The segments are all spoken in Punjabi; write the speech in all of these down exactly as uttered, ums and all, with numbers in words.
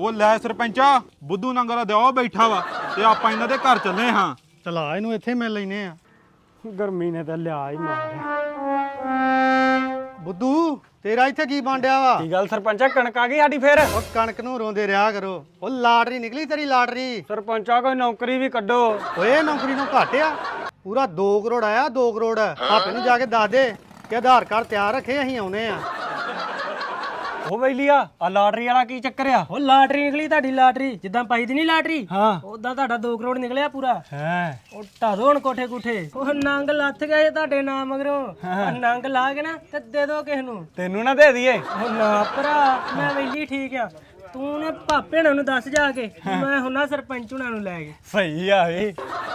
ਉਹ ਲੈ ਸਰਪੰਚਾ ਬੁੱਧੂ ਨੰਗਲ ਦਾ ਉਹ ਬੈਠਾ ਵਾ ਤੇ ਆਪਾਂ ਇਹਨਾਂ ਦੇ ਘਰ ਚੱਲੇ ਹਾਂ। ਚਲਾ ਇਹਨੂੰ ਇੱਥੇ ਮਿਲ ਲੈਨੇ ਆ। ਗਰਮੀ ਨੇ ਤਾਂ ਲਿਆ ਹੀ ਮਾਰਿਆ। ਬੁੱਧੂ ਤੇਰਾ ਇੱਥੇ ਕੀ ਬਾਂਡਿਆ ਵਾ? ਕੀ ਗੱਲ ਸਰਪੰਚਾ ਕਣਕ ਆ ਗਈ ਸਾਡੀ ਫੇਰ? ਉਹ ਕਣਕ ਨੂੰ ਰੋਂਦੇ ਰਿਹਾ ਕਰੋ। ਉਹ ਲਾਟਰੀ ਨਿਕਲੀ ਤੇਰੀ ਲਾਟਰੀ। ਸਰਪੰਚਾ ਕੋਈ ਨੌਕਰੀ ਵੀ ਕੱਢੋ। ਓਏ ਨੌਕਰੀ ਨੂੰ ਘੱਟ ਆ, ਪੂਰਾ ਦੋ ਕਰੋੜ ਆਇਆ। ਦੋ ਕਰੋੜ ਆਪੇ ਨੂੰ ਜਾ ਕੇ ਦੱਸ ਦੇ ਕਿ ਆਧਾਰ ਕਾਰਡ ਤਿਆਰ ਰੱਖੇ, ਅਸੀਂ ਆਉਨੇ ਆ। ਉਹ ਬੈਲੀਆ ਆ ਲਾਟਰੀ ਵਾਲਾ ਕੀ ਚੱਕਰ ਆ? ਉਹ ਲਾਟਰੀ ਨਿਕਲੀ ਤੁਹਾਡੀ ਲਾਟਰੀ, ਜਿੱਦਾਂ ਪਾਈ ਦੀ ਨਹੀਂ ਲਾਟਰੀ ਹਾਂ ਉਦਾਂ ਤੁਹਾਡਾ ਦੋ ਕਰੋੜ ਨਿਕਲਿਆ ਪੂਰਾ। ਹੈ ਉਹ ਢਾਦੋ ਹੁਣ ਕੋਠੇ ਕੁਠੇ। ਉਹ ਨੰਗ ਲੱਥ ਗਏ ਤੁਹਾਡੇ ਨਾਮ ਮਗਰੋਂ। ਉਹ ਨੰਗ ਲਾ ਕੇ ਨਾ ਤੇ ਦੇ ਦੋ ਕਿਸ ਨੂੰ। ਤੈਨੂੰ ਨਾ ਦੇ ਦਈਏ। ਉਹ ਨਾ ਭਰਾ, ਮੈਂ ਵੈਲੀ ਠੀਕ ਆ। ਤੂੰ ਨੇ ਭਾਪੇ ਹੁਣਾਂ ਨੂੰ ਦੱਸ ਜਾ ਕੇ, ਮੈਂ ਹੁਣਾ ਸਰਪੰਚ ਹੁਣਾਂ ਨੂੰ ਲੈ ਕੇ। ਸਹੀ ਆ ਵੇ।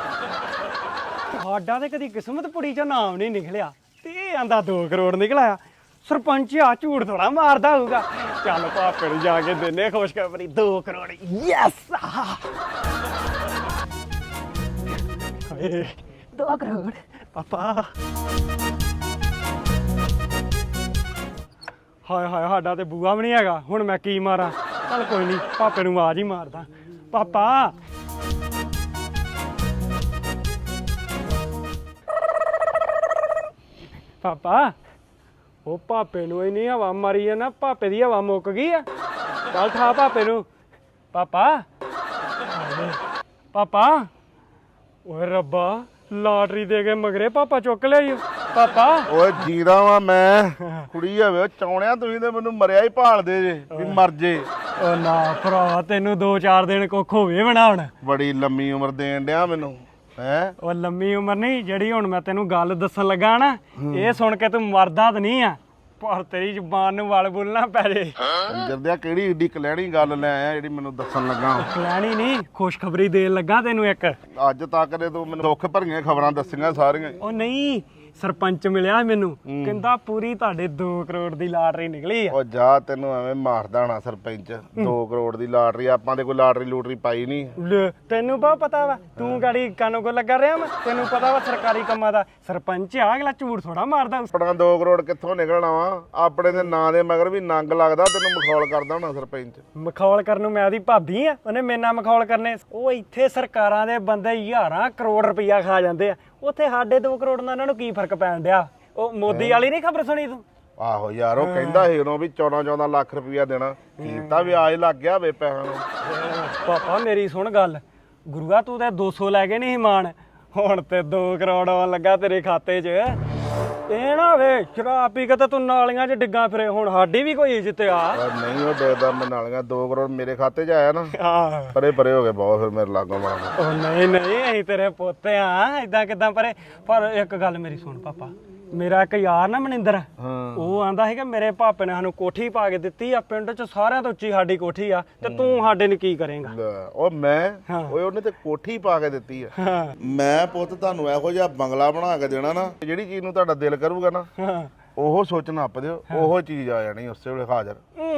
ਸਾਡਾ ਤੇ ਕਦੀ ਕਿਸਮਤ ਪੁੜੀ ਚੋਂ ਨਾਮ ਨਹੀਂ ਨਿਕਲਿਆ ਤੇ ਇਹ ਆਂਦਾ ਦੋ ਕਰੋੜ ਨਿਕਲਿਆ। ਸਰਪੰਚ ਆ ਝੂਠ ਥੋੜਾ ਮਾਰਦਾ ਹੋਊਗਾ। ਚੱਲ ਭਾਪੇ ਨੂੰ ਜਾ ਕੇ ਦਿੰਨੇ ਖੁਸ਼ਖਬਰੀ, ਦੋ ਕਰੋੜ। ਯੈਸ ਦੋ ਕਰੋੜ ਪਾਪਾ। ਹਾਏ ਹਾਏ ਸਾਡਾ ਤੇ ਬੂਆ ਵੀ ਨਹੀਂ ਹੈਗਾ, ਹੁਣ ਮੈਂ ਕੀ ਮਾਰਾਂ? ਚੱਲ ਕੋਈ ਨਹੀਂ, ਪਾਪੇ ਨੂੰ ਆਵਾਜ਼ ਹੀ ਮਾਰਦਾ। ਪਾਪਾ ਪਾਪਾ ਉਹ ਪਾਪੇ ਨੂੰ ਇੰਨੀ ਹਵਾ ਮਾਰੀ ਆ ਨਾ, ਪਾਪੇ ਦੀ ਹਵਾ ਮੁੱਕ ਗਈ ਆ। ਚੱਲ ਠਾ ਪਾਪੇ ਨੂੰ। ਪਾਪਾ ਪਾਪਾ ਓਏ ਰੱਬਾ, ਲਾਟਰੀ ਦੇ ਕੇ ਮਗਰੇ ਪਾਪਾ ਚੁੱਕ ਲਿਆ। ਪਾਪਾ ਓਏ ਜੀਦਾ ਵਾ ਮੈਂ, ਕੁੜੀ ਹੋਵੇ ਚਾਉਣਿਆ ਤੁਸੀਂ ਤੇ ਮੈਨੂੰ ਮਰਿਆ ਹੀ ਭਾਲਦੇ ਜੇ ਵੀ ਮਰ ਜੇ। ਓ ਨਾ ਭਰਾ, ਤੈਨੂੰ ਦੋ ਚਾਰ ਦਿਨ ਕੁੱਖ ਹੋਵੇ ਬਣਾਉਣ। ਬੜੀ ਲੰਮੀ ਉਮਰ ਦੇਣ ਡਿਆ ਮੈਨੂੰ ਹੈ। ਉਹ ਲੰਮੀ ਉਮਰ ਨਹੀਂ, ਜਿਹੜੀ ਹੁਣ ਮੈਂ ਤੈਨੂੰ ਗੱਲ ਦੱਸਣ ਲੱਗਾ ਨਾ, ਇਹ ਸੁਣ ਕੇ ਤੂੰ ਮਰਦਾ ਤਾਂ ਨਹੀਂ ਆ, ਪਰ ਤੇਰੀ ਜ਼ੁਬਾਨ ਨੂੰ ਵਲ ਬੋਲਣਾ ਪੈ ਜੇ। ਕੰਜਰ ਦਿਆ ਕਿਹੜੀ ਏਡੀ ਕਲੈਣੀ ਗੱਲ ਲੈ ਆਇਆ ਜਿਹੜੀ ਮੈਨੂੰ ਦੱਸਣ ਲੱਗਾ। ਕਲੈਣੀ ਨਹੀਂ, ਖੁਸ਼ਖਬਰੀ ਦੇਣ ਲੱਗਾ ਤੈਨੂੰ ਇੱਕ। ਅੱਜ ਤੱਕ ਦੇ ਤੂੰ ਮੈਨੂੰ ਦੁੱਖ ਭਰੀਆਂ ਖਬਰਾਂ ਦੱਸੀਆਂ ਸਾਰੀਆਂ। ਉਹ ਨਹੀਂ, ਸਰਪੰਚ ਮਿਲਿਆ ਮੈਨੂੰ, ਕਹਿੰਦਾ ਪੂਰੀ ਤੁਹਾਡੇ ਦੋ ਕਰੋੜ ਦੀ ਲਾਟਰੀ ਨਿਕਲੀ ਆ। ਉਹ ਜਾ, ਤੈਨੂੰ ਐਵੇਂ ਮਾਰਦਾ ਹੋਣਾ ਸਰਪੰਚ। ਦੋ ਕਰੋੜ ਦੀ ਲਾਟਰੀ, ਆਪਾਂ ਤੇ ਕੋਈ ਲਾਟਰੀ ਲੂਟਰੀ ਪਾਈ ਨਹੀਂ। ਲੈ, ਤੈਨੂੰ ਬਹੁਤ ਪਤਾ ਵਾ, ਤੂੰ ਗਾੜੀ ਕਾਨੂੰ ਕੋ ਲੱਗਾ ਰਿਹਾ ਮੈਂ, ਤੈਨੂੰ ਪਤਾ ਵਾ ਸਰਕਾਰੀ ਕੰਮਾਂ ਦਾ। ਸਰਪੰਚ ਆ, ਅਗਲਾ ਝੂਠ ਥੋੜਾ ਮਾਰਦਾ। ਆਪਣਾ ਦੋ ਕਰੋੜ ਕਿੱਥੋਂ ਨਿਕਲਣਾ ਵਾ? ਆਪਣੇ ਦੇ ਨਾਂ ਦੇ ਮਗਰ ਵੀ ਨੰਗ ਲੱਗਦਾ, ਤੈਨੂੰ ਮਖੌਲ ਕਰਦਾ ਹੋਣਾ ਸਰਪੰਚ। ਮਖੌਲ ਕਰਨ ਨੂੰ ਮੈਂ ਉਹਦੀ ਭਾਬੀ ਆ, ਉਹਨੇ ਮੇਰੇ ਨਾਲ ਮਖੌਲ ਕਰਨੇ? ਉਹ ਇੱਥੇ ਸਰਕਾਰਾਂ ਦੇ ਬੰਦੇ ਹਜ਼ਾਰਾਂ ਕਰੋੜ ਰੁਪਈਆ ਖਾ ਜਾਂਦੇ ਆ, ਉੱਥੇ ਸਾਡੇ ਦੋ ਕਰੋੜ ਨਾਲ ਉਹਨਾਂ ਨੂੰ ਕੀ ਫਰਕ ਪੈਣ ਡਿਆ? ਉਹ ਮੋਦੀ ਵਾਲੀ ਨਹੀਂ ਖਬਰ ਸੁਣੀ ਤੂੰ? ਆਹੋ ਯਾਰ, ਉਹ ਕਹਿੰਦਾ ਸੀ ਉਦੋਂ ਵੀ ਚੌਦਾਂ ਚੌਦਾਂ ਲੱਖ ਰੁਪਈਆ ਦੇਣਾ, ਕੀਤਾ ਵਿਆਜ ਲੱਗ ਗਿਆ ਵੇ ਪੈਸਿਆਂ ਨੂੰ। ਪਾਪਾ ਮੇਰੀ ਸੁਣ ਗੱਲ, ਗੁਰੂਆ ਤੂੰ ਤੇ ਦੋ ਸੌ ਲੈ ਕੇ ਨਹੀਂ ਮਾਣ, ਹੁਣ ਤੇ ਦੋ ਕਰੋੜ ਆਉਣ ਲੱਗਾ ਤੇਰੇ ਖਾਤੇ 'ਚ। ਇਹ ਨਾ ਵੇ ਸ਼ਰਾਬ ਪੀ ਕੇ ਤਾਂ ਤੂੰ ਨਾਲੀਆਂ 'ਚ ਡਿੱਗਾ ਫਿਰੇ, ਹੁਣ ਸਾਡੀ ਵੀ ਕੋਈ ਇੱਜ਼ਤ ਆ। ਨਹੀਂ ਉਹ ਡੇਦਾ ਮੈਂ ਨਾਲੀਆਂ, ਦੋ ਕਰੋੜ ਮੇਰੇ ਖਾਤੇ 'ਚ ਆਇਆ ਨਾ, ਆਹ ਪਰੇ ਪਰੇ ਹੋ ਗਏ ਬਹੁਤ ਫਿਰ ਮੇਰੇ ਲਾਗੋਂ ਮਾਰਾ। ਉਹ ਨਹੀਂ ਨਹੀਂ, ਅਸੀਂ ਤੇਰੇ ਪੋਤੇ ਆ, ਏਦਾਂ ਕਿਦਾਂ ਪਰੇ? ਪਰ ਇੱਕ ਗੱਲ ਮੇਰੀ ਸੁਣ ਪਾਪਾ, ਮੇਰਾ ਇੱਕ ਯਾਰ ਨਾ ਮਨਿੰਦਰ, ਉਹ ਆਂਦਾ ਸੀ ਕਿ ਮੇਰੇ ਪਾਪੇ ਨੇ ਸਾਨੂੰ ਕੋਠੀ ਪਾ ਕੇ ਦਿੱਤੀ ਆ, ਪਿੰਡ 'ਚ ਸਾਰਿਆਂ ਤੋਂ ਉੱਚੀ ਸਾਡੀ ਕੋਠੀ ਆ, ਤੇ ਤੂੰ ਸਾਡੇ ਨੂੰ ਕੀ ਕਰੇਂਗਾ? ਉਹ ਮੈਂ ਓਏ ਉਹਨੇ ਤੇ ਕੋਠੀ ਪਾ ਕੇ ਦਿੱਤੀ ਆ। ਮੈਂ ਪੁੱਤ ਤੁਹਾਨੂੰ ਇਹੋ ਜਿਹਾ ਬੰਗਲਾ ਬਣਾ ਕੇ ਦੇਣਾ ਨਾ, ਜਿਹੜੀ ਚੀਜ਼ ਨੂੰ ਤੁਹਾਡਾ ਦਿਲ ਕਰੂਗਾ ਨਾ ਉਹ ਸੋਚ ਨੱਪ ਦਿਓ, ਉਹੋ ਚੀਜ਼ ਆ ਜਾਣੀ ਉਸੇ ਵੇਲੇ ਹਾਜ਼ਰ।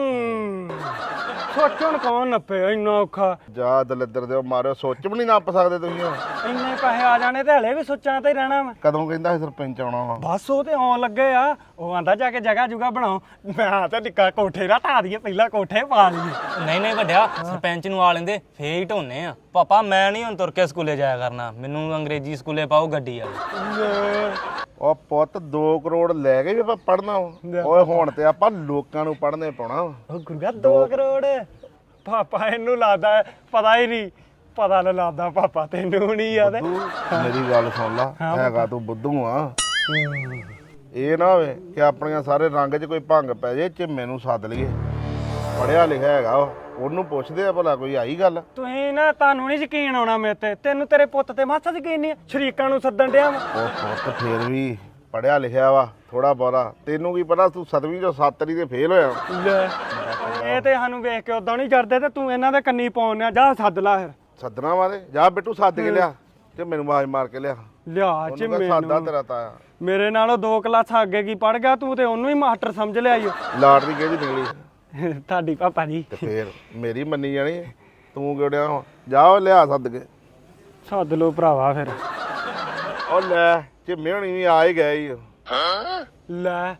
ਸੋਚਣ ਕੌਣ ਨੱਪੇ, ਇੰਨਾ ਔਖਾ? ਜਾ ਦਲਿੱਦਰ ਦਿਓ ਮਾਰਿਓ, ਸੋਚ ਵੀ ਨਹੀਂ ਨੱਪ ਸਕਦੇ ਤੁਸੀਂ ਹੁਣ। ਇੰਨੇ ਪੈਸੇ ਆ ਜਾਣੇ ਤੇ ਹਲੇ ਵੀ ਸੋਚਾਂ ਤੇ ਹੀ ਰਹਿਣਾ ਵਾ। ਕਦੋਂ ਕਹਿੰਦਾ ਸੀ ਸਰਪੰਚ ਆਉਣਾ ਵਾ? ਬਸ ਉਹ ਤੇ ਆਉਣ ਲੱਗੇ ਆ, ਉਹ ਆਂਦਾ ਜਾ ਕੇ ਜਗ੍ਹਾ ਜੁਗਾ ਬਣਾਓ। ਮੈਂ ਤਾਂ ਨਿੱਕਾ ਕੋਠੇ ਦਾ ਢਾ ਦਈਏ, ਪਹਿਲਾਂ ਕੋਠੇ ਪਾ ਲਈਏ। ਨਹੀਂ ਨਹੀਂ ਵੱਡਿਆ, ਸਰਪੰਚ ਨੂੰ ਆ ਲੈਂਦੇ ਫੇਰ ਹੀ ਢੋਨੇ ਆ। ਪਾਪਾ ਮੈਂ ਨਹੀਂ ਹੁਣ ਤੁਰ ਕੇ ਸਕੂਲੇ ਜਾਇਆ ਕਰਨਾ, ਮੈਨੂੰ ਅੰਗਰੇਜ਼ੀ ਸਕੂਲੇ ਪਾਓ ਗੱਡੀ ਆ। ਉਹ ਪੁੱਤ ਦੋ ਕਰੋੜ ਲੈ ਕੇ ਵੀ ਆਪਾਂ ਪੜਨਾ। ਓਏ ਹੁਣ ਤੇ ਆਪਾਂ ਲੋਕਾਂ ਨੂੰ ਪੜਨੇ ਪਾਉਣਾ। ਉਹ ਗੁਰਗਾ ਦੋ ਕਰੋੜ ਪਾਪਾ ਇਹਨੂੰ ਲਾਦਾ ਪਤਾ ਹੀ ਨਹੀਂ, ਪਤਾ ਨਾ ਲਾਦਾ ਪਾਪਾ ਤੈਨੂੰ ਨਹੀਂ ਆ। ਤੇ ਮੇਰੀ ਗੱਲ ਸੁਣ ਲਾ, ਹੈਗਾ ਤੂੰ ਬੁੱਧੂ ਆ। ਇਹ ਨਾ ਹੋਵੇ ਕਿ ਆਪਣੀਆਂ ਸਾਰੇ ਰੰਗ 'ਚ ਕੋਈ ਭੰਗ ਪੈ ਜੇ, ਝਿੰਮੇ ਨੂੰ ਸੱਦ ਲਈਏ, ਪੜਿਆ ਲਿਖਿਆ ਹੈਗਾ ਉਹ, ਉਹਨੂੰ ਪੁੱਛਦੇ ਆ ਭਲਾ ਕੋਈ ਆਈ ਗੱਲ। ਤੁਸੀਂ ਨਾ, ਤੁਹਾਨੂੰ ਨਹੀਂ ਯਕੀਨ ਆਉਣਾ ਮੇਰੇ ਤੇ, ਤੈਨੂੰ ਤੇਰੇ ਪੁੱਤ ਤੇ ਮਾਸਾ ਯਕੀਨ ਨਹੀਂ, ਸ਼ਰੀਕਾਂ ਨੂੰ ਸੱਦਣ ਡਿਆ ਵਾ। ਉਹ ਪੁੱਤ ਫੇਰ ਵੀ ਪੜਿਆ ਲਿਖਿਆ ਵਾ ਥੋੜਾ ਬਹੁਤਾ, ਤੈਨੂੰ ਕੀ ਪਤਾ ਤੂੰ ਸੱਤਵੀਂ ਚੋਂ ਸੱਤਰੀ ਤੇ ਫੇਲ ਹੋਇਆ। ਇਹ ਤੇ ਸਾਨੂੰ ਵੇਖ ਕੇ ਉਦਾਂ ਨਹੀਂ ਕਰਦੇ, ਤੇ ਤੂੰ ਇਹਨਾਂ ਦੇ ਕੰਨੀ ਪਾਉਣਿਆ। ਜਾ ਸੱਦ ਲਾ ਫਿਰ। ਸੱਦਣਾ ਵਾਲੇ ਜਾ ਬਿੱਟੂ, ਸੱਦ ਕੇ ਲਿਆ ਤੇ ਮੈਨੂੰ ਆਵਾਜ਼ ਮਾਰ ਕੇ ਲਿਆ। ਲਿਆ ਚ ਸਾਦਾ ਤੇਰਾ ਤਾਇਆ ਮੇਰੇ ਨਾਲੋਂ ਦੋ ਕਲਾਸਾਂ ਅੱਗੇ ਕੀ ਪੜ ਗਿਆ, ਤੂੰ ਤੇ ਉਹਨੂੰ ਹੀ ਮਾਸਟਰ ਸਮਝ ਲਿਆ ਈ। ਲਾਟਰੀ ਕਿਹਦੀ ਨਿਕਲੀ? ਤੁਹਾਡੀ ਪਾਪਾ ਜੀ। ਤੇ ਫੇਰ ਮੇਰੀ ਮੰਨੀ ਜਾਣੀ, ਤੂੰ ਕਿਹੜਿਆ? ਜਾ ਲਿਆ ਸੱਦ ਕੇ। ਸੱਦ ਲੋ ਭਰਾਵਾ ਫਿਰ। ਉਹ ਲੈ ਝਿੰਮੇ ਹੋਣੀ ਵੀ ਆ ਹੀ ਗਏ ਈ। ਲੈ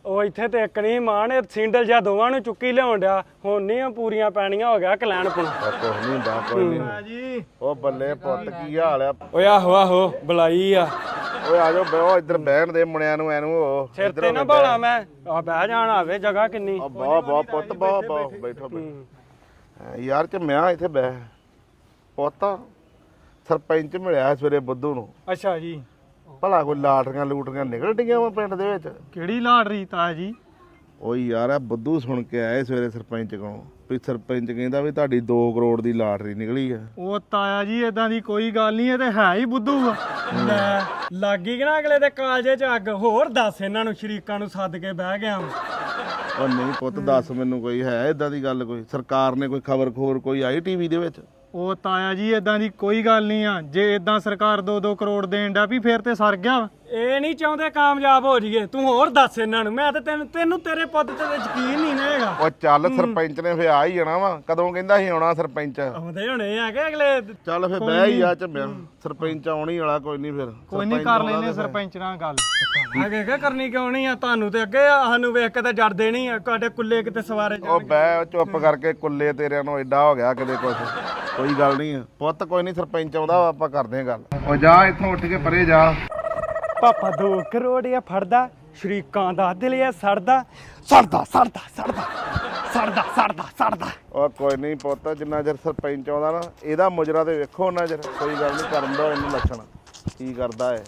ਉਹ ਇੱਥੇ ਤੇ ਇੱਕ ਨਹੀਂ ਮਾਨ ਇਹ ਸਿੰਡਲ ਜਾਂ ਦੋਵਾਂ ਨੂੰ ਚੁੱਕੀ ਲਿਆਉਣ ਡਿਆ ਹੁਣ ਨਹੀਂ ਪੂਰੀਆਂ ਪੈਣੀਆਂ ਹੋ ਗਿਆ ਕਲੈਣ ਪੁਣਾ ਕੁਝ ਨਹੀਂ ਹੁੰਦਾ ਕੋਈ ਨਹੀਂ ਜੀ ਉਹ ਬੱਲੇ ਪੁੱਤ ਕੀ ਹਾਲ ਆ ਓਏ ਆਹੋ ਆਹੋ ਬੁਲਾਈ ਆ ਓਏ ਆ ਜਾਓ ਬਹਿਓ ਇੱਧਰ ਬਹਿਣ ਦੇ ਮੁੰਡਿਆਂ ਨੂੰ ਐਨੂੰ ਉਹ ਸਿਰ ਤੇ ਨਾ ਭਾਲਾ ਮੈਂ ਆ ਬਹਿ ਜਾਣ ਆਵੇ ਜਗ੍ਹਾ ਕਿੰਨੀ ਬਹੁਤ ਬਹੁਤ ਪੁੱਤ ਬਹੁਤ ਬਹੁਤ ਬੈਠੋ ਬੈਠੋ ਯਾਰ ਚ ਮੈਂ ਇੱਥੇ ਬਹਿ ਪੁੱਤ ਸਰਪੰਚ ਮਿਲਿਆ ਸਵੇਰੇ ਬੁੱਧੂ ਨੂੰ ਅੱਛਾ ਜੀ ਭਲਾ ਕੋਈ ਲਾਟਰੀਆਂ ਲੂਟਰੀਆਂ ਨਿਕਲ ਡੀਆਂ ਵਾ ਪਿੰਡ ਦੇ ਵਿੱਚ ਕਿਹੜੀ ਲਾਟਰੀ ਤਾਇਆ ਜੀ ਓਏ ਯਾਰ ਆ ਬੁੱਧੂ ਸੁਣ ਕੇ ਆਏ ਸਵੇਰੇ ਸਰਪੰਚ ਕੋਲੋਂ ਵੀ ਸਰਪੰਚ ਕਹਿੰਦਾ ਵੀ ਤੁਹਾਡੀ ਦੋ ਕਰੋੜ ਦੀ ਲਾਟਰੀ ਨਿਕਲੀ ਆ ਉਹ ਤਾਇਆ ਜੀ ਇਦਾਂ ਦੀ ਕੋਈ ਗੱਲ ਨਹੀਂ ਇਹ ਤੇ ਹੈ ਹੀ ਬੁੱਧੂ ਆ ਲੈ ਲੱਗੀ ਕਿ ਨਾ ਅਗਲੇ ਦੇ ਕਾਲਜੇ ਚ ਅੱਗ ਹੋਰ ਦੱਸ ਇਹਨਾਂ ਨੂੰ ਸ਼ਰੀਕਾਂ ਨੂੰ ਸੱਦ ਕੇ ਬਹਿ ਗਿਆ ਉਹ ਨਹੀਂ ਪੁੱਤ ਦੱਸ ਮੈਨੂੰ ਕੋਈ ਹੈ ਇਦਾਂ ਦੀ ਗੱਲ ਕੋਈ ਸਰਕਾਰ ਨੇ ਕੋਈ ਖਬਰ ਖੋਰ ਕੋਈ ਆਈ ਟੀਵੀ ਦੇ ਵਿੱਚ ਉਹ ਤਾਇਆ ਜੀ ਇਦਾਂ ਦੀ ਕੋਈ ਗੱਲ ਨਹੀਂ ਆ ਜੇ ਇਦਾਂ ਸਰਕਾਰ ਦੋ ਦੋ ਕਰੋੜ ਦੇਣ ਦਾ ਵੀ ਫੇਰ ਤੇ ਸਰ ਗਿਆ ਵਾ। ਇਹ ਨਹੀਂ ਚਾਹੁੰਦੇ ਕਾਮਯਾਬ ਹੋ ਜਾਈਏ ਤੂੰ ਹੋਰ ਦੱਸ ਇਹਨਾਂ ਨੂੰ ਮੈਂ ਤੇ ਤੈਨੂੰ ਤੈਨੂੰ ਤੇਰੇ ਪੁੱਤ ਤੇ ਯਕੀਨ ਨਹੀਂ ਨਾ ਹੈਗਾ ਉਹ ਚੱਲ ਸਰਪੰਚ ਨੇ ਫੇ ਆ ਹੀ ਜਾਣਾ ਵਾ ਕਦੋਂ ਕਹਿੰਦਾ ਸੀ ਆਉਣਾ ਸਰਪੰਚ ਆਉਂਦੇ ਹੋਣੇ ਆ ਕਿ ਅਗਲੇ ਚੱਲ ਫੇ ਬਹਿ ਹੀ ਆ ਝੰਮਿਆ ਸਰਪੰਚ ਆਉਣੀ ਵਾਲਾ ਕੋਈ ਨਹੀਂ ਫਿਰ ਕੋਈ ਨਹੀਂ ਕਰ ਲੈਨੇ ਸਰਪੰਚ ਨਾਲ ਗੱਲ ਅੱਗੇ ਕੀ ਕਰਨੀ ਕਿਉਂ ਨਹੀਂ ਆ ਤੁਹਾਨੂੰ ਤੇ ਅੱਗੇ ਆ, ਸਾਨੂੰ ਵੇਖ ਕੇ ਤਾਂ ਜੜਦੇ ਨਹੀਂ ਆ ਤੁਹਾਡੇ ਕੁੱਲੇ ਕਿਤੇ ਸਵਾਰੇ ਉਹ ਬਹਿ ਚੁੱਪ ਕਰਕੇ ਕੁੱਲੇ ਤੇਰਿਆਂ ਨੂੰ ਐਡਾ ਹੋ ਗਿਆ ਕਿਤੇ ਕੁਛ ਕੋਈ ਗੱਲ ਨਹੀਂ ਪੁੱਤ ਕੋਈ ਨਹੀਂ ਸਰਪੰਚ ਆਉਂਦਾ ਵਾ, ਆਪਾਂ ਕਰਦੇ ਹਾਂ ਗੱਲ ਉਹ ਜਾ ਇੱਥੋਂ ਉੱਠ ਕੇ ਪਰੇ ਜਾ ਪਾਪਾ ਦੋ ਕਰੋੜ ਆ ਫੜਦਾ ਸ਼ਰੀਕਾਂ ਦਾ ਦਿਲ ਆ ਸੜਦਾ ਸੜਦਾ ਸੜਦਾ ਸੜਦਾ ਸੜਦਾ ਸੜਦਾ ਸੜਦਾ ਉਹ ਕੋਈ ਨਹੀਂ ਪੁੱਤ ਜਿੰਨਾ ਚਿਰ ਸਰਪੰਚ ਆਉਂਦਾ ਨਾ ਇਹਦਾ ਮੁਜਰਾ ਤੇ ਵੇਖੋ ਉਹਨਾਂ ਚਿਰ ਕੋਈ ਗੱਲ ਨਹੀਂ ਕਰਨ ਦੋ ਇਹਨੂੰ ਲੱਛਣ ਕੀ ਕਰਦਾ ਹੈ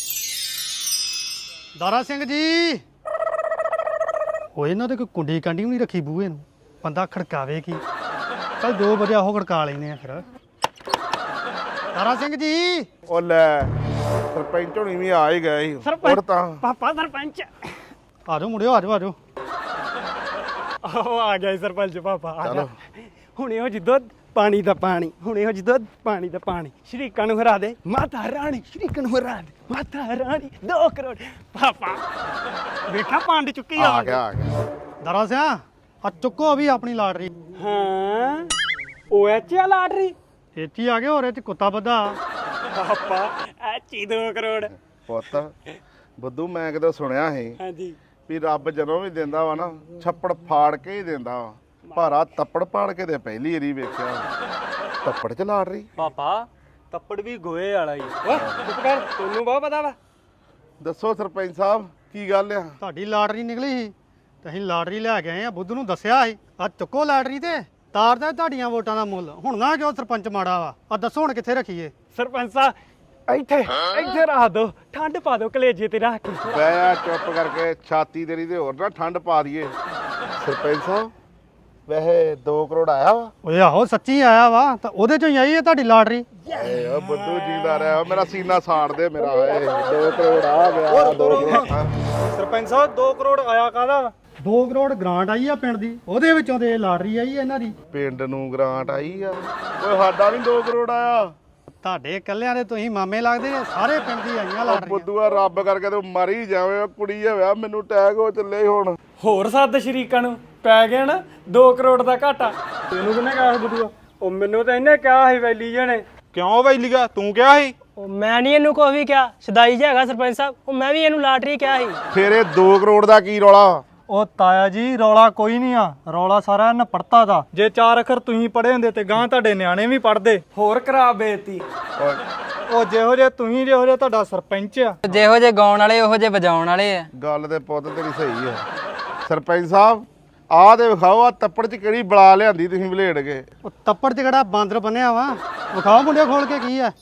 ਦਾਰਾ ਸਿੰਘ ਜੀ ਓਏ ਇਹਨਾਂ ਦੇ ਕੋਈ ਕੁੰਡੀ ਕਾਂਡੀ ਵੀ ਨਹੀਂ ਰੱਖੀ ਬੂਹੇ ਨੂੰ ਬੰਦਾ ਖੜਕਾਵੇ ਕੀ ਚੱਲ ਦੋ ਵਜੇ ਆਹੋ ਖੜਕਾ ਲੈਨੇ ਆ ਫਿਰ ਦਾਰਾ ਸਿੰਘ ਜੀ ਉਹ ਲੈ ਸਰਪੰਚ ਹੋਣੀ ਵੀ ਆ ਹੀ ਗਏ ਸੀ ਹੋਰ ਤਾਂ ਪਾਪਾ ਸਰਪੰਚ ਆ ਜਾਓ ਮੁੰਡਿਓ ਆ ਜਾਓ ਆ ਜਾਓ ਆਹੋ ਆ ਗਿਆ ਜੀ ਸਰਪੰਚ ਪਾਪਾ ਆ ਜਾ ਹੁਣੇ ਉਹ ਜਿੱਦੋਂ ਪਾਣੀ ਦਾ ਪਾਣੀ ਹੁਣੇ ਉਹ ਜਿੱਦੋਂ ਪਾਣੀ ਦਾ ਪਾਣੀ ਸ਼ਰੀਕਾਂ ਨੂੰ ਹਰਾ ਦੇ ਮਾਤਾ ਰਾਣੀ ਸ਼ਰੀਕਾਂ ਨੂੰ ਹਰਾ ਦੇ ਮਾਤਾ ਰਾਣੀ ਦੋ ਕਰੋੜ ਪਾਪਾ ਵੇਖਾ ਪੰਡ ਚੁੱਕੀ ਆ ਗਿਆ ਆ ਗਿਆ ਦਾਰਾ ਸਿਆ ਆ ਚੁੱਕੋ ਵੀ ਆਪਣੀ ਲਾਟਰੀ ਹਾਂ ਉਹ ਐਚ ਆ ਲਾਟਰੀ ਇੱਥੇ ਆ ਗਏ ਹੋਰ ਇਹ ਚ ਕੁੱਤਾ ਬੱਧਾ ਪਾਪਾ ਐਚੀ ਦੋ ਕਰੋੜ ਪੁੱਤ ਬੁੱਧੂ ਮੈਂ ਕਿਤੇ ਸੁਣਿਆ ਸੀ ਹਾਂਜੀ ਵੀ ਰੱਬ ਜਦੋਂ ਵੀ ਦਿੰਦਾ ਵਾ ਨਾ ਛੱਪੜ ਫਾੜ ਕੇ ਹੀ ਦਿੰਦਾ ਵਾ ਭਾਰਾ ਤੱਪੜ ਪਾੜ ਕੇ ਤੇ ਪਹਿਲੀ ਵਾਰੀ ਵੇਖਿਆ ਤੱਪੜ ਚ ਲਾੜ ਰਹੀ ਪਾਪਾ ਤੱਪੜ ਵੀ ਗੋਏ ਵਾਲਾ ਹੀ ਓਏ ਚੁੱਪ ਕਰ ਤੈਨੂੰ ਬਹੁਤ ਪਤਾ ਵਾ ਦੱਸੋ ਸਰਪੰਚ ਸਾਹਿਬ ਕੀ ਗੱਲ ਆ ਤੁਹਾਡੀ ਲਾਟਰੀ ਨਿਕਲੀ ਸੀ ਤੇ ਅਸੀਂ ਲਾਟਰੀ ਲੈ ਕੇ ਆਏ ਆ ਬੁੱਧ ਨੂੰ ਦੱਸਿਆ ਸੀ ਆ ਚੁੱਕੋ ਲਾਟਰੀ ਤੇ ਤਾਰਦਾ ਤੁਹਾਡੀਆਂ ਵੋਟਾਂ ਦਾ ਮੁੱਲ ਹੁਣ ਨਾ ਕਿਉਂ ਸਰਪੰਚ ਮਾੜਾ ਵਾ ਆ ਦੱਸੋ ਹੁਣ ਕਿੱਥੇ ਰੱਖੀਏ ਸਰਪੰਚ ਸਾਹਿਬ ਇੱਥੇ ਇੱਥੇ ਰੱਖ ਦੋ ਠੰਡ ਪਾ ਦੋ ਕਲੇਜੇ ਤੇ ਰੱਖ ਕੇ ਬੈ ਆ ਚੁੱਪ ਕਰਕੇ ਛਾਤੀ ਤੇਰੀ ਤੇ ਹੋਰ ਨਾ ਠੰਡ ਪਾ ਦਈਏ ਸਰਪੰਚ ਸਾਹਿਬ ਵੈਸੇ ਦੋ ਕਰੋੜ ਆਇਆ ਵਾ ਓਏ ਆਹੋ ਸੱਚੀ ਆਇਆ ਵਾ ਤਾਂ ਉਹਦੇ ਚੋਂ ਹੀ ਆਈ ਹੈ ਤੁਹਾਡੀ ਲਾਟਰੀ ਏ ਓ ਬੁੱਧੂ ਜੀਦਾ ਰਿਹਾ ਮੇਰਾ ਸੀਨਾ ਸਾੜ ਦੇ ਮੇਰਾ ਏ ਦੋ ਕਰੋੜ ਆ ਗਿਆ ਦੋ ਕਰੋੜ ਸਰਪੰਚ ਸਾਹਿਬ ਦੋ ਕਰੋੜ ਆਇਆ ਕਾਹਦਾ ਵਾ ਦੋ ਕਰੋੜ ਗ੍ਰਾਂਟ ਆਈ ਆ ਪਿੰਡ ਦੀ ਉਹਦੇ ਵਿੱਚੋਂ ਤੇ ਲਾਟਰੀ ਆਈ ਆ ਇਹਨਾਂ ਦੀ ਪਿੰਡ ਨੂੰ ਗ੍ਰਾਂਟ ਆਈ ਆ ਓਏ ਸਾਡਾ ਨਹੀਂ ਦੋ ਕਰੋੜ ਆਇਆ ਤੁਹਾਡੇ ਇਕੱਲਿਆਂ ਦੇ ਤੁਸੀਂ ਮਾਮੇ ਲੱਗਦੇ ਆ ਸਾਰੇ ਪਿੰਡ ਦੀ ਆਈਆਂ ਓ ਲਾਟਰੀਆਂ ਬੁੱਧੂਆ ਰੱਬ ਕਰਕੇ ਤੂੰ ਮਰ ਹੀ ਜਾਵੇਂ ਓ ਕੁੜੀ ਹੋਇਆ ਮੈਨੂੰ ਟੈਗ ਹੋ ਚੱਲੇ ਹੁਣ ਹੋਰ ਸੱਤ ਸ਼ਰੀਕਾਂ ਨੂੰ ਪੈ ਗਿਆ ਨਾ ਦੋ ਕਰੋੜ ਦਾ ਘਾਟਾ ਤੈਨੂੰ ਕਿਹਨੇ ਕਿਹਾ ਸੀ ਬੁੱਧੂਆ ਉਹ ਮੈਨੂੰ ਤਾਂ ਇਹਨੇ ਕਿਹਾ ਸੀ ਵੈਲੀ ਜਣੇ ਕਿਉਂ ਵੈਲੀਗਾ ਤੂੰ ਕਿਹਾ ਸੀ ਉਹ ਮੈਂ ਨਹੀਂ ਇਹਨੂੰ ਕੋਈ ਵੀ ਕਿਹਾ ਸਦਾਈ ਜਿਹਾ ਹੈਗਾ ਸਰਪੰਚ ਸਾਹਿਬ ਉਹ ਮੈਂ ਵੀ ਇਹਨੂੰ ਲਾਟਰੀ ਕਿਹਾ ਸੀ ਫਿਰ ਇਹ ਦੋ ਕਰੋੜ ਦਾ ਕੀ ਰੌਲਾ ਉਹ ਤਾਇਆ ਜੀ ਰੌਲਾ ਕੋਈ ਨਹੀਂ ਆ ਰੌਲਾ ਸਾਰਾ ਇਹਨਾਂ ਪੜਤਾ ਦਾ ਜੇ ਚਾਰ ਅੱਖਰ ਤੁਸੀਂ ਪੜ੍ਹੇ ਹੁੰਦੇ ਤੇ ਗਾਂ ਤੁਹਾਡੇ ਨਿਆਣੇ ਵੀ ਪੜ੍ਹਦੇ ਹੋਰ ਖਰਾਬ ਬੇਇੱਜ਼ਤੀ ਉਹ ਜਿਹੋ ਜੇ ਤੁਸੀਂ ਜਿਹੋ ਜੇ ਤੁਹਾਡਾ ਸਰਪੰਚ ਆ ਜਿਹੋ ਜੇ ਗਾਉਣ ਵਾਲੇ ਉਹੋ ਜੇ ਵਜਾਉਣ ਵਾਲੇ ਆ ਗੱਲ ਤੇ ਪੁੱਤ ਤੇਰੀ ਸਹੀ ਆ ਸਰਪੰਚ ਸਾਹਿਬ ਆਹ ਤੇ ਵਿਖਾਓ ਆ ਤੱਪੜ ਚ ਕਿਹੜੀ ਬਲਾ ਲਿਆਂਦੀ ਤੁਸੀਂ ਬਲੇਡ ਕੇ ਉਹ ਤੱਪੜ 'ਚ ਕਿਹੜਾ ਬਾਂਦਰ ਬੰਨਿਆ ਵਾ ਵਿਖਾਓ ਮੁੰਡੇ ਖੋਲ ਕੇ ਕੀ ਆ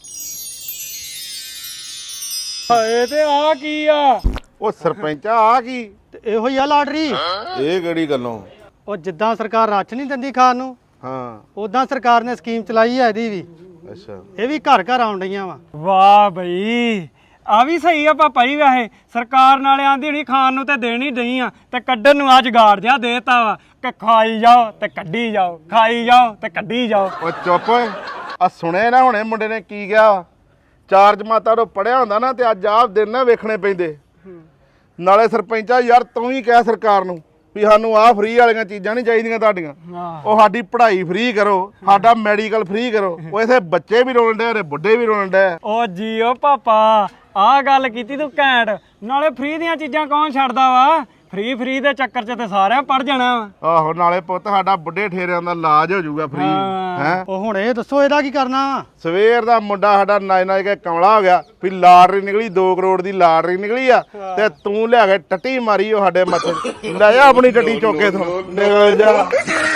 ਹਾਏ ਤੇ ਆ ਕੀ ਆ ਉਹ ਸਰਪੰਚ ਆ ਕੀ ਤੇ ਇਹੋ ਹੀ ਆ ਲਾਟਰੀ ਇਹ ਕਿਹੜੀ ਗੱਲੋਂ ਉਹ ਜਿੱਦਾਂ ਸਰਕਾਰ ਰਾਸ਼ਨ ਨਹੀਂ ਦਿੰਦੀ ਖਾਣ ਨੂੰ ਹਾਂ ਉਦਾਂ ਸਰਕਾਰ ਨੇ ਸਕੀਮ ਚਲਾਈ ਹੈ ਇਹਦੀ ਵੀ ਅੱਛਾ ਇਹ ਵੀ ਘਰ ਘਰ ਆਉਣ ਡਈਆਂ ਵਾ ਵਾਹ ਬਈ ਆ ਵੀ ਸਹੀ ਆ ਪਾਪਾ ਜੀ ਵੈਸੇ ਸਰਕਾਰ ਨਾਲੇ ਆਂਦੀ ਨਹੀਂ ਖਾਣ ਨੂੰ ਤੇ ਦੇਣੀ ਨਹੀਂ ਆ ਤੇ ਕੱਢਣ ਨੂੰ ਆ ਜਗਾੜ ਜਿਹਾ ਦੇਤਾ ਵਾ ਕਿ ਖਾਈ ਜਾਓ ਤੇ ਕੱਢੀ ਜਾਓ ਖਾਈ ਜਾਓ ਤੇ ਕੱਢੀ ਜਾਓ ਉਹ ਚੁੱਪ ਓਏ ਆ ਸੁਣੇ ਨਾ ਹੁਣੇ ਮੁੰਡੇ ਨੇ ਕੀ ਕਿਹਾ ਚਾਰ ਜਮਾਤਾਂ ਤੋਂ ਪੜਿਆ ਹੁੰਦਾ ਨਾ ਤੇ ਅੱਜ ਆਪ ਦਿਨ ਨਾ ਵੇਖਣੇ ਪੈਂਦੇ ਨਾਲੇ ਸਰਪੰਚਾ ਯਾਰ ਤੂੰ ਹੀ ਕਹਿ ਸਰਕਾਰ ਨੂੰ ਵੀ ਸਾਨੂੰ ਆਹ ਫ੍ਰੀ ਵਾਲੀਆਂ ਚੀਜ਼ਾਂ ਨਹੀਂ ਚਾਹੀਦੀਆਂ ਤੁਹਾਡੀਆਂ ਉਹ ਸਾਡੀ ਪੜ੍ਹਾਈ ਫ੍ਰੀ ਕਰੋ ਸਾਡਾ ਮੈਡੀਕਲ ਫ੍ਰੀ ਕਰੋ ਉਹ ਇਥੇ ਬੱਚੇ ਵੀ ਰੋਣ ਡੇ ਤੇ ਬੁੱਢੇ ਵੀ ਰੋਣ ਡੇ ਓ ਜੀਓ ਪਾਪਾ ਆਹ ਗੱਲ ਕੀਤੀ ਤੂੰ ਘੈਂਟ ਨਾਲੇ ਫ੍ਰੀ ਦੀਆਂ ਚੀਜ਼ਾਂ ਕੌਣ ਛੱਡਦਾ ਵਾ ਫ੍ਰੀ ਫ੍ਰੀ ਦੇ ਚੱਕਰ 'ਚ ਤੇ ਸਾਰਿਆਂ ਪੜ ਜਾਣਾ ਵਾ। ਆਹੋ ਨਾਲੇ ਪੁੱਤ ਸਾਡਾ ਬੁੱਢੇ ਠੇਰਿਆਂ ਦਾ ਇਲਾਜ ਹੋ ਜਾਊਗਾ ਫ੍ਰੀ ਹੈ। ਉਹ ਹੁਣ ਇਹ ਦੱਸੋ ਇਹਦਾ ਕੀ ਕਰਨਾ? ਸਵੇਰ ਦਾ ਮੁੰਡਾ ਸਾਡਾ ਨੱਚ ਨੱਚ ਕੇ ਕਮਲਾ ਹੋ ਗਿਆ ਵੀ ਲਾਟਰੀ ਨਿਕਲੀ ਦੋ ਕਰੋੜ ਦੀ ਲਾਟਰੀ ਨਿਕਲੀ ਆ ਤੇ ਤੂੰ ਲਿਆ ਕੇ ਟੱਟੀ ਮਾਰੀ ਉਹ ਸਾਡੇ ਮੱਥੇ ਲੈ ਜਾ ਆਪਣੀ ਟੱਟੀ ਚੋਕੇ ਤੋਂ ਨਿਕਲ ਜਾ।